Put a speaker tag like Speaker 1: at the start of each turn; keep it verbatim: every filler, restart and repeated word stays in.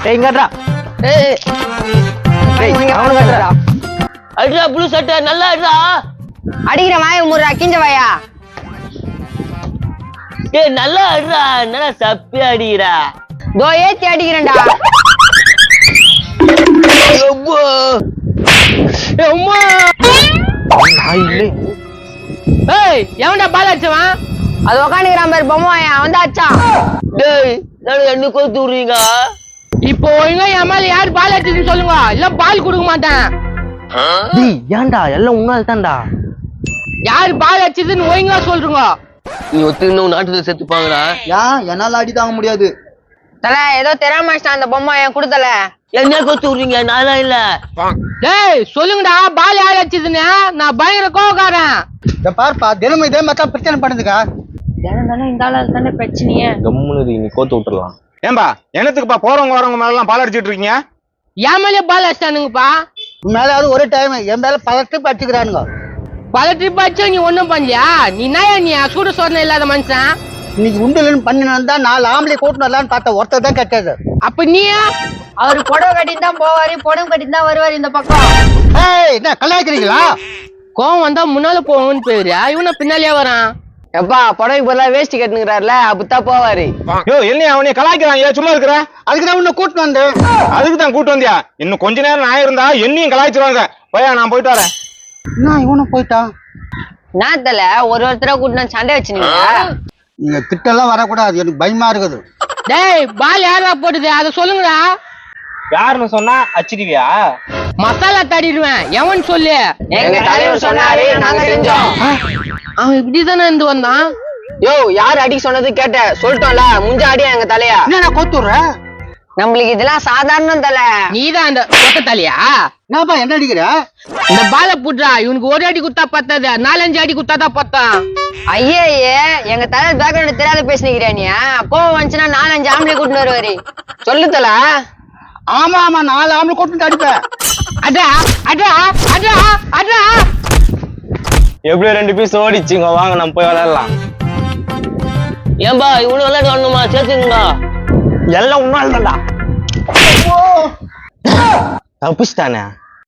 Speaker 1: ஏய் இங்கடா ஏய் ஏய் அவன கட்டடா
Speaker 2: அடிடா ப்ளூ சட்டை நல்லா அடிடா
Speaker 3: அடிக்கிற வாய முறா கிஞ்ச வாயா
Speaker 2: டேய் நல்லா அடிடா என்னடா சப்பி அடிக்குறா
Speaker 3: தோ ஏத்தி அடிக்கிறேன்டா
Speaker 2: அம்மா ஏய் அம்மா
Speaker 1: நான் இல்ல
Speaker 2: ஏய் எவன்டா பால் அடிச்சவன்
Speaker 3: அது உட்காந்துக்கிறான் பேர் பொம்மை வாயா வந்து அச்சான்
Speaker 2: டேய் நான் என்ன கோத்து விடுறீங்க
Speaker 4: இப்போ ஒழுங்கா என் மேல யார் பால் அடிச்சதுன்னு சொல்லுங்க இல்ல பால் கொடுக்க மாட்டேன்
Speaker 1: டேய் ஏன்டா எல்லாம் உன்னால தான்டா
Speaker 4: யார் பால் அடிச்சதுன்னு ஒழுங்கா சொல்றீங்க
Speaker 2: நீ ஒத்துக்கின நாட்டுல செத்துப்பாங்கடா
Speaker 5: ஏன் என்னால அடி தாங்க முடியாது.
Speaker 3: தல ஏதோ தெரியாம அந்த பொம்மை என் கொடுத்தல
Speaker 2: என்ன கோத்து விடுறீங்க நானா இல்ல
Speaker 4: டேய் சொல்லுங்கடா பால் யார் அடிச்சதுன்னு நான் பயங்கர கோவக்காரன்
Speaker 5: இத பார்ப்பா தினமும் இதே மாதிரி பிரச்சனை பண்ணுதுக்கா.
Speaker 3: தினம் தானே இந்த ஆளு தானே பிரச்சனையே
Speaker 1: கம்முனு நீ கோத்து விட்டுறலாம்.
Speaker 6: ஏன்பா என்னத்துக்குப்பா போறவங்க வரவங்க மேல எல்லாம் பால் அடிச்சிட்டு இருக்கீங்க?
Speaker 4: என் மேலே பால் அடிச்சிட்டானுங்கப்பா
Speaker 5: உன் மேல அது ஒரு டைம் என் மேல பல ட்ரிப் அடிச்சுக்கிறானுங்க.
Speaker 4: பல ட்ரிப் அடிச்சா நீ ஒண்ணும் பண்ணலையா? நீ என்ன நீ சூடு சோதனை இல்லாத மனுஷன்.
Speaker 5: இன்னைக்கு உண்டுலன்னு பண்ணினா நாலு ஆம்பளை கூட்டினு வரலான்னு பார்த்தா ஒருத்தர் தான் கட்டாது.
Speaker 4: அப்ப நீ
Speaker 3: அவரு புடவை கட்டின்னு தான் போவாரு புடவை கட்டின்னு தான் வருவாரு இந்த பக்கம்.
Speaker 5: ஏய் என்ன கலாய்க்கிறீங்களா?
Speaker 4: கோவம் வந்தா முன்னால போவோம்னு போயிருயா இவனை பின்னாலேயே வரான்.
Speaker 3: எப்பா புடவை பதிலா வேஷ்டி கட்டுங்கிறாருல அப்படித்தான் போவாரு.
Speaker 6: யோ என்ன அவனைய கலாய்க்கிறான் ஏன் சும்மா இருக்கிற?
Speaker 5: அதுக்கு தான் உன்னை கூட்டினு வந்தேன்.
Speaker 6: அதுக்கு தான் கூட்டு வந்தியா? இன்னும் கொஞ்ச நேரம் நான் இருந்தா என்னையும் கலாய்ச்சிருவாங்க. போயா நான் போயிட்டு வரேன்.
Speaker 5: என்ன இவனும் போயிட்டான்?
Speaker 3: நான் தல ஒரு ஒருத்தர கூட்டினா சண்டை வச்சுனீங்க.
Speaker 5: நீங்க திட்டெல்லாம் வரக்கூடாது எனக்கு பயமா இருக்குது.
Speaker 4: டேய் பால் யாரா போடுது அதை சொல்லுங்கடா.
Speaker 1: யாருன்னு சொன்னா அச்சிடுவியா?
Speaker 4: மசாலா தடிடுவேன் எவன் சொல்லு.
Speaker 3: எங்க தலைவர் சொன்னாரு நாங்க செஞ்சோம்.
Speaker 4: அவன் இப்படிதானே இருந்து வந்தான்.
Speaker 3: யோ யார் அடி சொன்னது கேட்ட சொல்லிட்டோம்ல முஞ்ச அடியா எங்க தலையா.
Speaker 5: என்ன நான் கோத்துடுற?
Speaker 3: நம்மளுக்கு இதெல்லாம் சாதாரணம் தல.
Speaker 4: நீதான் அந்த கொத்த தலையா?
Speaker 5: என்னப்பா என்ன அடிக்கிற?
Speaker 4: இந்த பால புட்றா இவனுக்கு ஒரு அடி குத்தா பத்தாது நாலஞ்சு அடி குத்தாதான் பத்தான்.
Speaker 3: ஐயே எங்க தலைவர் பேக்ரவுண்ட் தெரியாத பேசினிக்கிறியா நீ? கோவம் வந்துச்சுன்னா நாலஞ்சு ஆம்பளை கூட்டின்னு வருவாரு. சொல்லு தல.
Speaker 5: ஆமா ஆமா நாலு ஆம்பளை கூட்டிட்டு அடிப்பேன்.
Speaker 4: அடா அடா அடா அடா
Speaker 1: எப்படி ரெண்டு பீஸ் ஓடிச்சுங்க வாங்க நம்ம போய் விளையாடலாம்.
Speaker 2: ஏன்பா இவ்வளவு விளையாட்டு வரணுமா சேர்த்துங்களா
Speaker 1: எல்லாம் உன்னால தான்டா. தப்பிச்சிட்டானே